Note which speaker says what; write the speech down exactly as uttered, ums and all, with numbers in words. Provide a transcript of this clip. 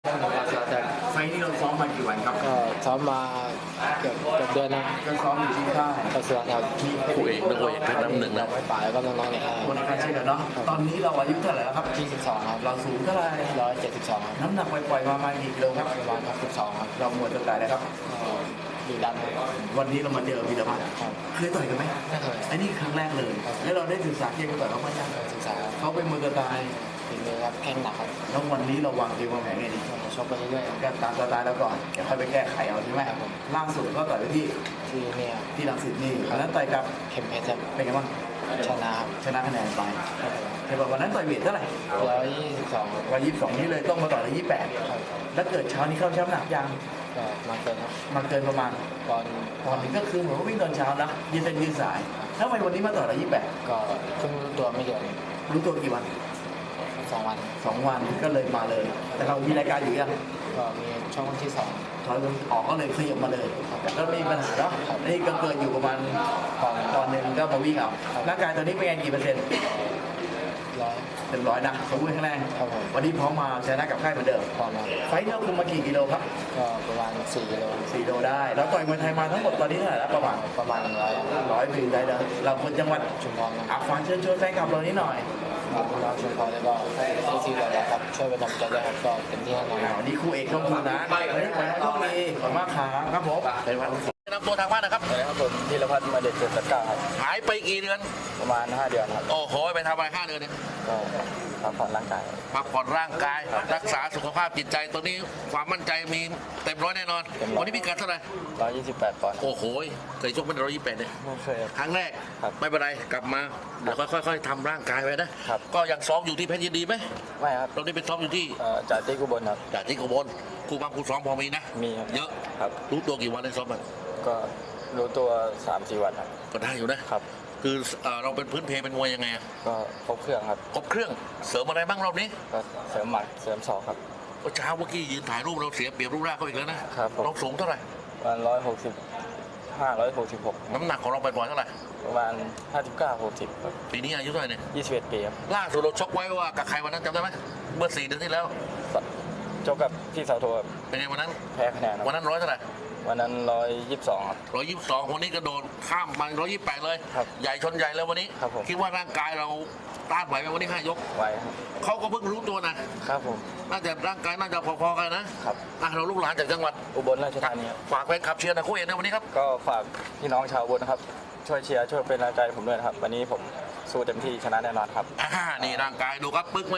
Speaker 1: แต่ไฟนี่เราซ้อมมากี่วันครับ
Speaker 2: ก็ซ้อมมาเกือบเกือบเดือนนะ
Speaker 1: ก็ซ้อมอยู่ที่ค่าย
Speaker 2: ก็เสือครับ
Speaker 3: คู่เอกนักมวยเพชรน้ำหนึ่งนะ
Speaker 2: ไม่ป่าแล้วก็น้องๆเนี่ย
Speaker 1: คนในการเช่นกันเนาะตอนนี้เราอายุเท่าไหร่แล้วครับ
Speaker 2: ที่สิบสองครับ
Speaker 1: เราสูงเท่าไหร่
Speaker 2: ร้อยเจ็ดสิบสอง
Speaker 1: น้ำหนักปล่อยๆมาประมาณกี่กิโลครับ
Speaker 2: ประมาณสิบสองครับ
Speaker 1: เราหมดตัวไหนนะครับ
Speaker 2: ดีดำ
Speaker 1: วันนี้เรามาเจอวีรพัฒน์เคยต่อยกันไหม
Speaker 2: ไม่เคย
Speaker 1: อันนี้ครั้งแรกเลยแล้วเราได้ศึกษาเกมต่อยเขาไหมยัง
Speaker 2: ศึกษา
Speaker 1: เขาเป็นมือกระต่าย
Speaker 2: ฝีมือครับแข้งหนักครับ
Speaker 1: แล้ววันนี้เราวางเกมวางแผนไงดี
Speaker 2: ชกไปเรื่อย
Speaker 1: ๆการตามสไตล์แล้วก่อนเดี๋ยวค่อยไปแก้ไขเอาใช่ไหมล่าสุดก็ต่อยไปที่
Speaker 2: ที่เนี่ย
Speaker 1: ที่รังสิตนี่แล้วต่อยกับ
Speaker 2: เข็มเพชรครับ
Speaker 1: เป็นไงบ้าง
Speaker 2: ชนะครับ
Speaker 1: ชนะคะแนนไปเห็นบอกวันนั้นต่อยเวทเท่าไหร่
Speaker 2: ร้อยยี่สิบสอง
Speaker 1: ร้อยยี่สิบสองนี่เลยต้องมาต่อยร้อยยี่สิบแปดแล้วเกิดเช้านี้เข้าช้ำหนักยัง
Speaker 2: ก็มาเกินครับ
Speaker 1: มาเกินประมาณ
Speaker 2: ก่อน
Speaker 1: ก่อนนี้ก็คือเหมือนว่าวิ่งตอนเช้านะยืนเส้นยืนสายแล้วทำไมวันนี้มาต่อยร้อยยี่สิบแปด
Speaker 2: ก็เพิ่งรู้ตัวไม่เยอะ
Speaker 1: รู้ตัวกี่วัน
Speaker 2: สองวัน
Speaker 1: สองวันก็เลยมาเลย แต่เรามีรายการอยู่ยัง
Speaker 2: ก็มีช่องวันที่สอง
Speaker 1: ถอยออกก็เลยขยับมาเลยแล้วไม่มีปัญหาเนาะนี่ก็เกิดอยู่ประมาณตอนหนึ่งก็มาวิ่งเอาร่างกายตอนนี้เป็นไงกี่เปอร์เซ็นต์
Speaker 2: ร้อย
Speaker 1: เต็มร้อยนะสมบูรณ์แข็งแรงวันนี้พร้อมมาชนะกับค่ายเหมือนเดิม
Speaker 2: พร้อม
Speaker 1: ไฟท์เราคุมมากี่กิโลครับ
Speaker 2: ก็ประมาณสี่กิโล
Speaker 1: สี่โลได้แล้วต่อยมวยไทยมาทั้งหมดตอนนี้เท่าไหร่แล้วประมาณ
Speaker 2: ประมาณร้อย
Speaker 1: ร้อยปีได้เลยเราคนจังหวัด
Speaker 2: ชุมพร
Speaker 1: อ่ะฟังเชิญชวนแฟนคลับเรานี้หน่อย
Speaker 2: ครับเราชุมพรแล้วก็ที่ซีเราครับช่วยเป็นกำลังใจด้วยครับก็เต็มที่แน่นอน
Speaker 1: วันนี้คู่เอกต้องคุณนะวันนี้ขอให้โชคดีขอบคุณมากครับครับผม
Speaker 3: นำตัวทางบ้านนะครับ
Speaker 2: สวัสดีครับผมธีรพัฒน์มาเด็ดเจ็ดเก้าครับ
Speaker 3: หายไปกี่เดือน
Speaker 2: ประมาณห้าเดือนครับ
Speaker 3: โอ้โหไปทำอะไรห้าเดือนเนี่ย
Speaker 2: ก็พักผ่อนร่างกาย
Speaker 3: พักผ่อนร่างกายรักษาสุขภาพจิตใจตัวนี้ความมั่นใจมีเต็มร้อยแน่นอนวันนี้พิกัดเท่าไหร่
Speaker 2: ร้อยยี่สิบแปดปอนด์
Speaker 3: โอ้โหเคยชกเป็นร้อยยี่สิบแปดเนี่ย
Speaker 2: ไม่เคย
Speaker 3: ครั้งแรกไม่เป็นไรกลับมาเดี๋ยวค่อยๆทำร่างกายไปนะก็ยังซ้อมอยู่ที่เพชรยินดีไหม
Speaker 2: ไม่ครับ
Speaker 3: เราได้เป็นซ้อมอยู่ที่
Speaker 2: จ่าติ๊กอุบลครับ
Speaker 3: จ่าติ๊กอุบลครูบางครูซ้อมพอมีนะ
Speaker 2: มี
Speaker 3: เยอะ
Speaker 2: ครับ
Speaker 3: รู้ตัวกี่วันได้ซ้อมมัน
Speaker 2: ก็รู้ตัวสามสี่วันครับ
Speaker 3: ก็ได้อยู่นะครับคือเราเป็นพื้นเพเป็นมวยยังไง
Speaker 2: ก็ครบเครื่องครับ
Speaker 3: ครบเครื่องเสริมอะไรบ้างรอบนี้
Speaker 2: ก็เสริมหมัดเสริมศอกครับ
Speaker 3: เช้าเมื่อกี้ยืนถ่ายรูปเราเสียเปรียบรูปร่างเขาอีกแล้วนะครับเราสูงเท่าไหร่
Speaker 2: ประมาณร้อยหกสิบห้าร้อยหกสิบหก
Speaker 3: น้ำหนักของเราไปปล่อยเท่าไหร่
Speaker 2: ประมาณห้าสิบเก้าหกสิบ
Speaker 3: ปีนี้อายุเท่าไหร่เนี่ย
Speaker 2: ยี่สิบเอ็ดปีครับ
Speaker 3: ล่าสุดเราชกไว้ว่ากับใครวันนั้นจำได้ไหมเมื่อสี่เดือนที่แล้ว
Speaker 2: ชกกับพี่สาวโท
Speaker 3: เป็นไงวันนั้น
Speaker 2: แพ้คะแนน
Speaker 3: วันนั้นร้อยเท่าไหร่
Speaker 2: วันนั้นร้อยยี่สิบสอง
Speaker 3: ร้อยยี่สิบสองคนนี้กระโดดข้ามมาร้อยยี่สิบแปดเลยใหญ่ชนใหญ่แล้ววันนี้คิดว่าร่างกายเราต้านไหวไหมวันนี้ห้ายก
Speaker 2: ไหว
Speaker 3: เขาก็เพิ่งรู้ตัวนะครับ
Speaker 2: ผม
Speaker 3: น่าจะร่างกายน่าจะพอๆกันนะครับเราลูกหลานจากจังหวัด
Speaker 2: อุบลราชธานี
Speaker 3: ฝากแฟนคลับเชียร์นะคู่เอกในวันนี้ครับ
Speaker 2: ก็ฝากพี่น้องชาวอุบลนะครับช่วยเชียร์ช่วยเป็นแรงใจผมด้วยนะครับวันนี้ผมสู้เต็มที่ชนะแน่นอนครับ
Speaker 3: อ่านี่ร่างกายดูครับปึ๊ก